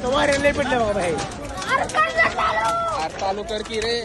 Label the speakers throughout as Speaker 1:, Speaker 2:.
Speaker 1: आता वारे लय पडले बाबा हे.
Speaker 2: अरे चालू कर की रे.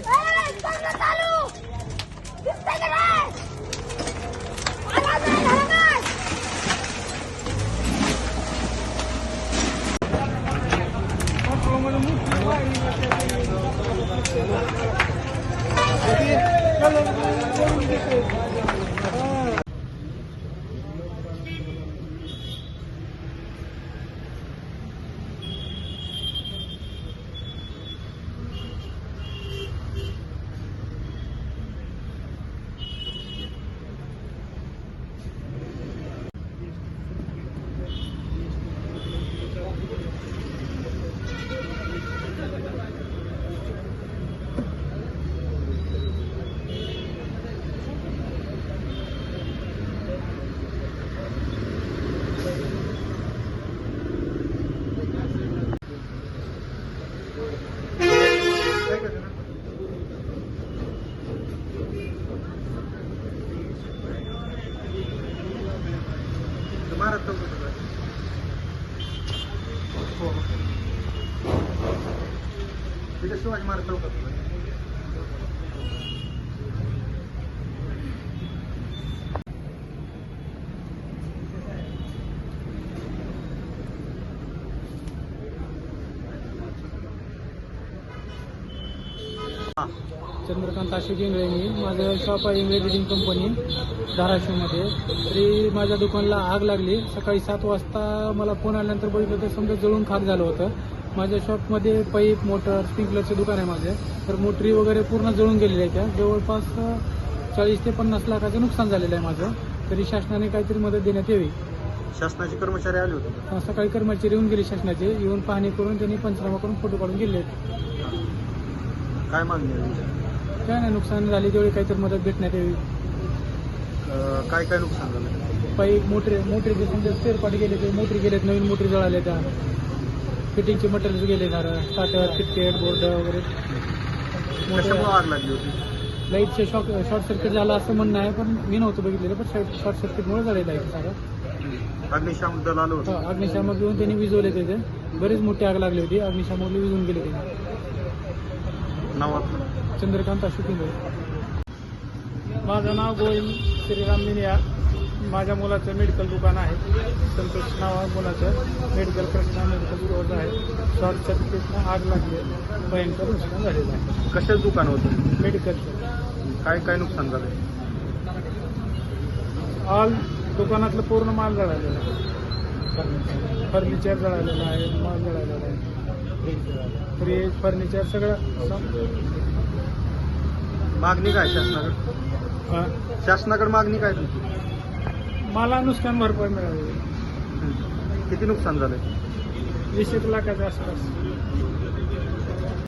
Speaker 1: शिवाजी महाराज चौकात
Speaker 3: चंद्रकांत अशोक इंगळे. मी माझं शॉप आहे इंगळे रिडिंग कंपनी धाराशिवमध्ये. तरी माझ्या दुकानला आग लागली. सकाळी 7 वाजता मला फोन आल्यानंतर बघितलं तर समजा जळून खाक झालं होतं. माझ्या शॉपमध्ये पाईप मोटर स्प्रिंकलरचे दुकान आहे माझे. तर मोटरी वगैरे पूर्ण जळून गेलेल्या आहेत. त्या जवळपास 40 ते 50 लाखाचं नुकसान झालेलं आहे माझं. तरी शासनाने काहीतरी मदत देण्यात यावी.
Speaker 1: शासनाचे कर्मचारी आले होते.
Speaker 3: सकाळी कर्मचारी येऊन गेले शासनाचे. येऊन पाहणी करून त्यांनी पंचनामा करून फोटो काढून गेले.
Speaker 1: काय मागणी आहे?
Speaker 3: काय नाही, नुकसान झाले तेवढी काहीतरी मदत भेटण्यात यावी.
Speaker 1: काय काय नुकसान झालं?
Speaker 3: पाईप मोटरीचे समजा स्पेअर पार्ट गेले ते मोटरी गेलेत. नवीन मोटरी जळाल्या त्या. फिटिंगचे मटेरियल गेले. स्टार्टर किटकेट बोर्ड वगैरे.
Speaker 1: कशामुळे आग लागली होती?
Speaker 3: लाईटचे शॉर्ट सर्किट झालं असं म्हणणं आहे. पण मी नव्हतं बघितलेलं. पण शॉर्ट सर्किटमुळे झालेलं आहे सारं.
Speaker 1: अग्निशामक दल आलं होतं.
Speaker 3: अग्निशामक घेऊन त्यांनी विझवले. त्याचे बरीच मोठी आग लागली होती. अग्निशामकला विझून गेले त्यांनी.
Speaker 1: नाव आपलं?
Speaker 3: चंद्रकांत अशोक इंगळे.
Speaker 4: माझं नाव गोविंद श्रीराम मिनिया. माझ्या मुलाचं मेडिकल दुकान आहे. संतोष नाव आहे मुलाचं. मेडिकल कृष्णा मेडिकल स्टोअर आहे. शॉर्ट सर्किटनं आग लागली. भयंकर नुकसान झालेलं आहे.
Speaker 1: कशाचं दुकान होतं?
Speaker 4: मेडिकलचं.
Speaker 1: काय काय नुकसान झालं?
Speaker 4: ऑल दुकानातलं पूर्ण माल जळालेला आहे. फर्निचर जळालेलं आहे. माल जळालेला आहे. फ्रीज फर्निचर सगळं.
Speaker 1: मागणी काय शासनाकडे? शासनाकडे मागणी काय तुमची?
Speaker 4: मला नुकसान भरपाई मिळाली.
Speaker 1: किती नुकसान झालंय?
Speaker 4: 20 लाखाच्या आसपास.